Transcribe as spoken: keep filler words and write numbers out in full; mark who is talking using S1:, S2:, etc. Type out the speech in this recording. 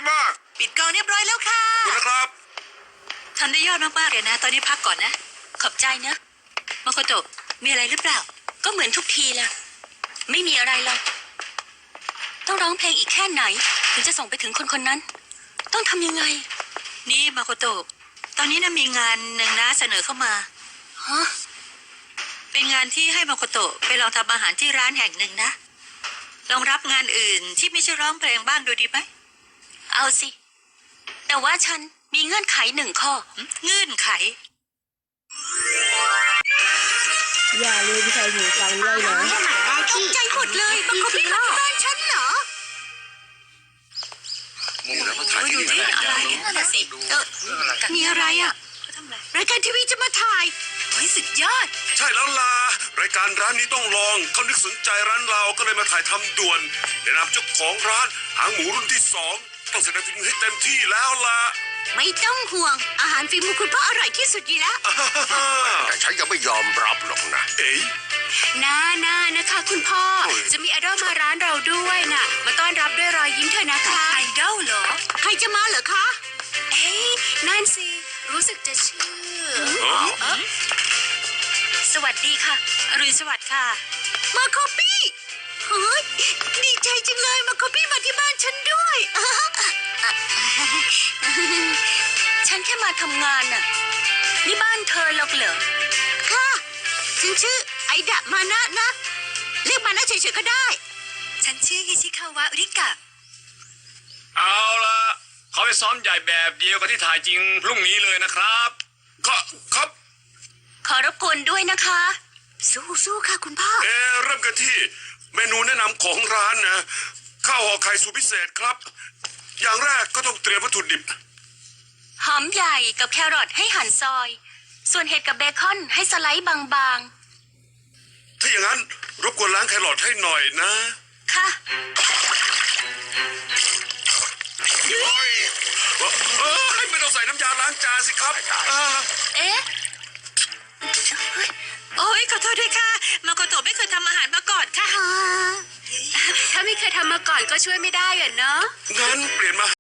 S1: มาก
S2: ปิดกองเรียบร้อยแล้วค่ะ
S1: ขอบคุณนะครับ
S2: ทำได้ยอดมากๆเลยนะตอนนี้พักก่อนนะขอบใจนะมาโคโตะมีอะไรหรือเปล่าก็เหมือนทุกทีแหละไม่มีอะไรหรอกต้องร้องเพลงอีกแค่ไหนถึงจะส่งไปถึงคนคนนั้นต้องทำยังไงนี่มาโคโตะตอนนี้นะมีงานหนึ่งนะเสนอเข้ามาฮะเป็นงานที่ให้มาโคโตะไปลองทำอาหารที่ร้านแห่งหนึ่งนะลองรับงานอื่นที่ไม่ใช่ร้องเพลงบ้างดูดีไหมเอาสิแต่ว่าฉันมีเงื่อนไขหนึ่งข้อเงื่อนไข
S3: อย่าลืมใส่หูฟังด้วยนะ
S2: ตกใจหมดเลยมาคบพี่ที่บ้านฉันเหรอ
S1: มึงแล้วมาถ่ายที่นี่
S2: อะไรนั่นแหละสิเออมีอะไรอ่ะรายการทีวีจะมาถ่ายเฮ้ยสุดยอด
S1: ใช่แล้วล่ะรายการร้านนี้ต้องลองเขานึกสนใจร้านเราก็เลยมาถ่ายทำด่วนแนะนำเจ้าของร้านหางหมูรุ่นที่สองต้องแสดงฝีมือให้เต็มที่แล้วล่ะ
S2: ไม่ต้องห่วงอาหารฝีมือคุณพ่ออร่อยที่สุดอยู่แล้ว
S1: แต่ฉันยังไม่ยอมรับหรอกนะเอ๊ย
S4: น่าน่านะคะคุณพ่อจะมีไอดอลมาร้านเราด้วยน่ะมาต้อนรับด้วยรอยยิ้มเถอะนะคะ
S2: ไอดอลเหรอใครจะมาเหรอคะ
S4: เอ้ยนั่นสิรู้สึกจะชื่อสวัสดีค่ะ
S2: อรุณสวัสดิ์ค่ะมาคอปี้เฮ้ยดีใจจังเลยมาคอปี้มาที่บ้านฉันด้วย
S4: ฉันแค่มาทำงานน่ะนี่บ้านเธอหรอกเหรอ
S2: ค่ะฉันชื่อไอดะมานะนะเรียกมานะเฉยๆก็ได้
S4: ฉันชื่อฮิชิคาวะริกะ
S5: เอาละเขาไปซ้อมใหญ่แบบเดียวกับที่ถ่ายจริงพรุ่งนี้เลยนะครับ
S1: ก็ครับ
S4: ขอรบกวนด้วยนะคะ
S2: สู้ๆค่ะคุณพ่อ
S1: เออเริ่มกันที่เมนูแนะนำของร้านนะข้าวห่อไข่สูตรพิเศษครับอย่างแรกก็ต้องเตรียมวัตถุดิบ
S4: หอมใหญ่กับแครอทให้หั่นซอยส่วนเห็ดกับเบคอนให้สไลด์บาง
S1: ๆถ้าอย่างนั้นรบกวนล้างแครอทให้หน่อยนะ
S4: ค่ะ
S1: เฮ้ยไม่ต้องใส่น้ำยาล้างจานสิครับ
S4: เอ๊ะ
S2: โอ้ยขอโทษด้วยค่ะมาโกโตะไม่เคยทำอาหารมาก่อนค่ะ
S4: ถ้าไม่เคยทำมาก่อนก็ช่วยไม่ได้อะเนาะ
S1: งั้นเปลี่ยนมา